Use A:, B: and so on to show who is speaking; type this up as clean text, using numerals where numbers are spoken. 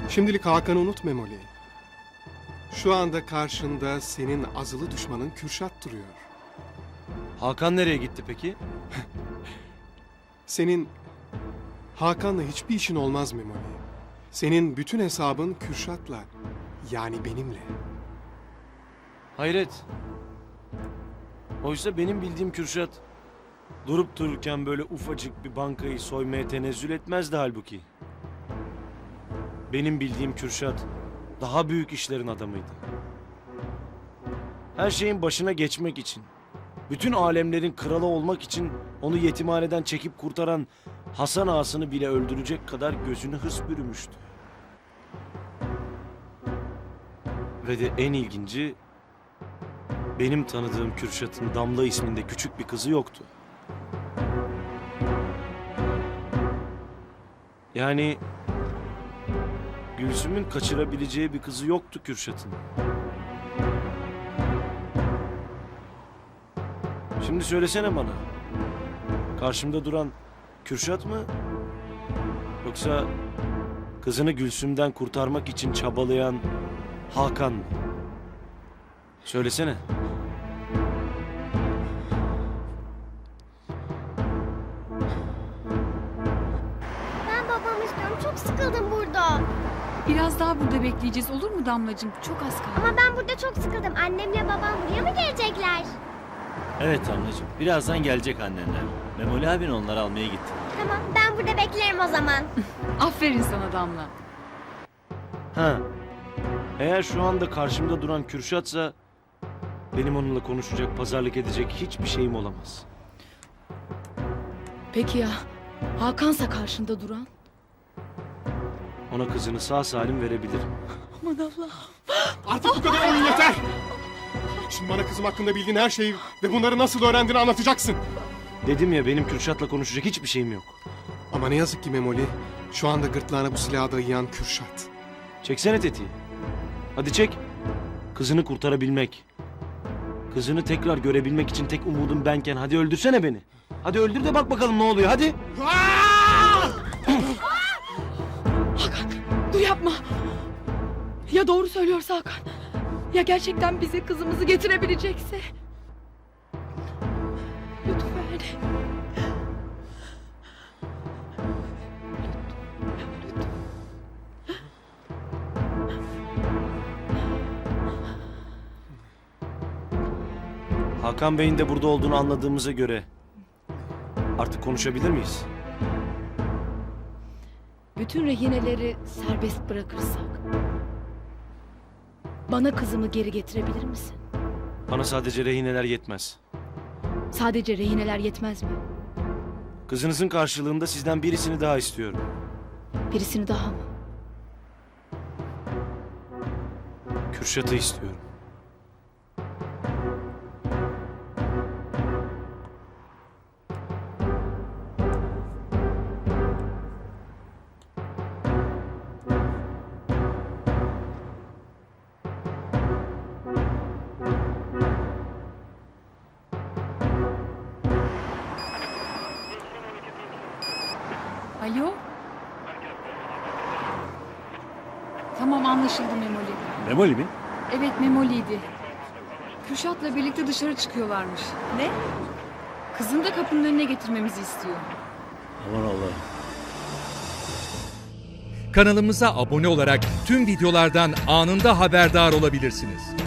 A: Şimdilik Hakan'ı unut Memoli. Şu anda karşında senin azılı düşmanın Kürşat duruyor.
B: Hakan nereye gitti peki?
A: Senin Hakan'la hiçbir işin olmaz Memoli. Senin bütün hesabın Kürşat'la, yani benimle.
B: Hayret. Oysa benim bildiğim Kürşat durup dururken böyle ufacık bir bankayı soymaya tenezzül etmezdi halbuki. Benim bildiğim Kürşat daha büyük işlerin adamıydı. Her şeyin başına geçmek için, bütün alemlerin kralı olmak için onu yetimhaneden çekip kurtaran Hasan Ağasını bile öldürecek kadar gözünü hırs bürümüştü. Ve de en ilginci, benim tanıdığım Kürşat'ın Damla isminde küçük bir kızı yoktu. Yani Gülsüm'ün kaçırabileceği bir kızı yoktu Kürşat'ın. Şimdi söylesene bana. Karşımda duran Kürşat mı? Yoksa kızını Gülsüm'den kurtarmak için çabalayan Hakan mı? Söylesene.
C: Ben babamı istiyorum. Çok sıkıldım burada.
D: Biraz daha burada bekleyeceğiz, olur mu Damlacığım? Çok az kaldı.
C: Ama ben burada çok sıkıldım. Annemle babam buraya mı gelecekler?
E: Evet Damlacığım, birazdan gelecek annenler. Memoli abin onları almaya gitti.
C: Tamam, ben burada beklerim o zaman.
D: Aferin sana Damla.
B: Ha. Eğer şu anda karşımda duran Kürşat'sa benim onunla konuşacak, pazarlık edecek hiçbir şeyim olamaz.
D: Peki ya Hakan'sa karşında duran?
B: Ona kızını sağ salim verebilirim.
D: Aman Allah.
A: Artık bu kadar oyun yeter! Şimdi bana kızım hakkında bildiğin her şeyi ve bunları nasıl öğrendiğini anlatacaksın.
B: Dedim ya, benim Kürşat'la konuşacak hiçbir şeyim yok.
A: Ama ne yazık ki Memoli, şu anda gırtlağına bu silahı dayayan Kürşat.
B: Çeksene tetiği. Hadi çek. Kızını kurtarabilmek. Kızını tekrar görebilmek için tek umudum benken hadi öldürsene beni. Hadi öldür de bak bakalım ne oluyor, hadi.
D: Hakan dur yapma. Ya doğru söylüyorsa Hakan. Ya gerçekten bize kızımızı getirebilecekse. Lütfen.
B: Hakan Bey'in de burada olduğunu anladığımıza göre artık konuşabilir miyiz?
D: Bütün rehineleri serbest bırakırsak bana kızımı geri getirebilir misin?
B: Bana sadece rehineler yetmez.
D: Sadece rehineler yetmez mi?
B: Kızınızın karşılığında sizden birisini daha istiyorum.
D: Birisini daha mı?
B: Kürşat'ı istiyorum.
D: Alo? Tamam anlaşıldı Memoli.
E: Memoli mi?
D: Evet Memoli'ydi. Kürşat'la birlikte dışarı çıkıyorlarmış. Ne? Kızını da kapının önüne getirmemizi istiyor.
E: Aman Allah.
F: Kanalımıza abone olarak tüm videolardan anında haberdar olabilirsiniz.